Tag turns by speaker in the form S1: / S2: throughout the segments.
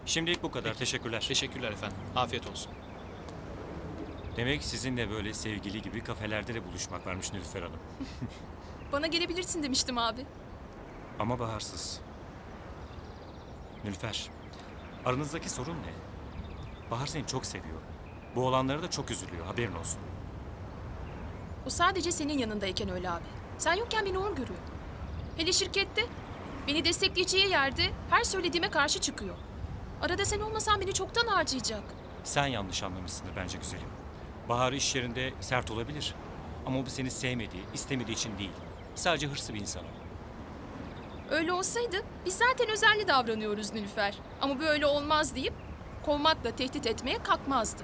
S1: Şimdilik bu kadar. Teşekkürler.
S2: Teşekkürler efendim. Afiyet olsun.
S1: Demek sizinle böyle sevgili gibi kafelerde de buluşmak varmış Nilüfer Hanım.
S3: Bana gelebilirsin demiştim abi.
S1: Ama Bahar'sız. Nilüfer, aranızdaki sorun ne? Bahar seni çok seviyor. Bu olanlara da çok üzülüyor. Haberin olsun.
S3: O sadece senin yanındayken öyle abi. Sen yokken beni hor görüyor. Hele şirkette beni destekleyeceği yerde her söylediğime karşı çıkıyor. Arada sen olmasan beni çoktan harcayacak.
S1: Sen yanlış anlamışsındır bence güzelim. Bahar iş yerinde sert olabilir. Ama bu seni sevmediği, istemediği için değil. Sadece hırslı bir insan o.
S3: Öyle olsaydı biz zaten özenli davranıyoruz Nilüfer. Ama böyle olmaz deyip kovmakla tehdit etmeye kalkmazdı.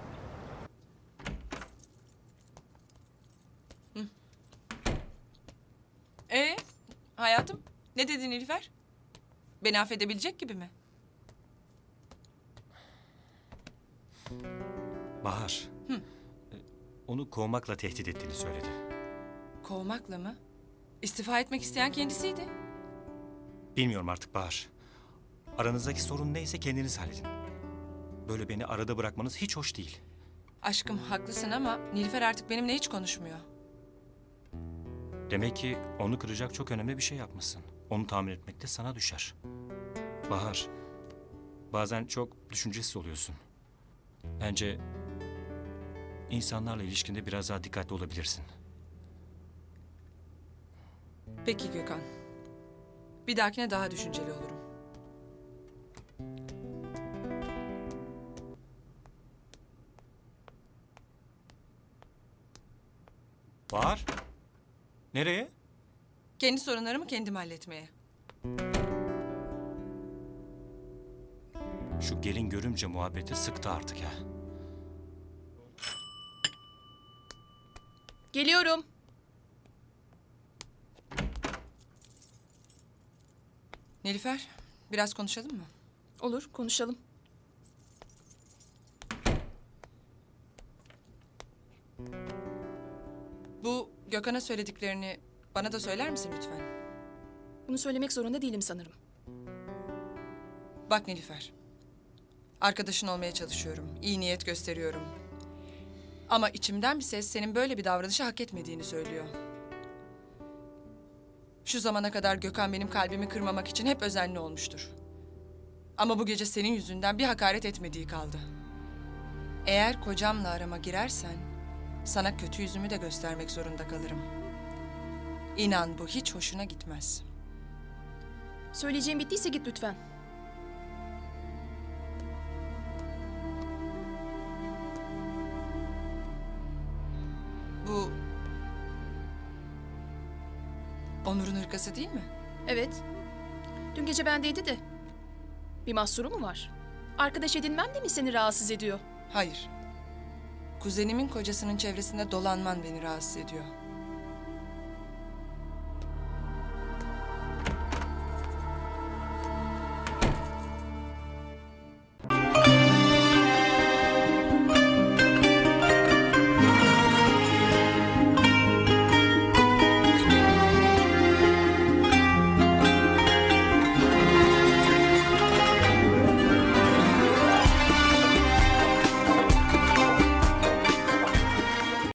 S4: Hayatım, ne dedin Nilüfer? Beni affedebilecek gibi mi?
S1: Bahar, onu kovmakla tehdit ettiğini söyledi.
S4: Kovmakla mı? İstifa etmek isteyen kendisiydi.
S1: Bilmiyorum artık Bahar. Aranızdaki sorun neyse kendiniz halledin. Böyle beni arada bırakmanız hiç hoş değil.
S4: Aşkım haklısın ama Nilüfer artık benimle hiç konuşmuyor.
S1: Demek ki onu kıracak çok önemli bir şey yapmışsın. Onu tahmin etmek de sana düşer. Bahar, bazen çok düşüncesiz oluyorsun. Bence insanlarla ilişkinde biraz daha dikkatli olabilirsin.
S4: Peki Gökhan. Bir dahakine daha düşünceli olurum.
S1: Bahar, nereye?
S4: Kendi sorunlarımı kendim halletmeye.
S1: Şu gelin görümce muhabbeti sıktı artık ya.
S3: Geliyorum.
S4: Nilüfer, biraz konuşalım mı?
S3: Olur, konuşalım.
S4: Bu Gökhan'a söylediklerini bana da söyler misin lütfen?
S3: Bunu söylemek zorunda değilim sanırım.
S4: Bak Nilüfer. Arkadaşın olmaya çalışıyorum. İyi niyet gösteriyorum. Ama içimden bir ses senin böyle bir davranışı hak etmediğini söylüyor. Şu zamana kadar Gökhan benim kalbimi kırmamak için hep özenli olmuştur. Ama bu gece senin yüzünden bir hakaret etmediği kaldı. Eğer kocamla arama girersen sana kötü yüzümü de göstermek zorunda kalırım. İnan bu hiç hoşuna gitmez.
S3: Söyleyeceğim bittiyse git lütfen.
S4: Bu Onur'un hırkası değil mi?
S3: Evet. Dün gece bendeydi de. Bir mahsuru mu var? Arkadaş edinmem de mi seni rahatsız ediyor?
S4: Hayır. Kuzenimin kocasının çevresinde dolanman beni rahatsız ediyor.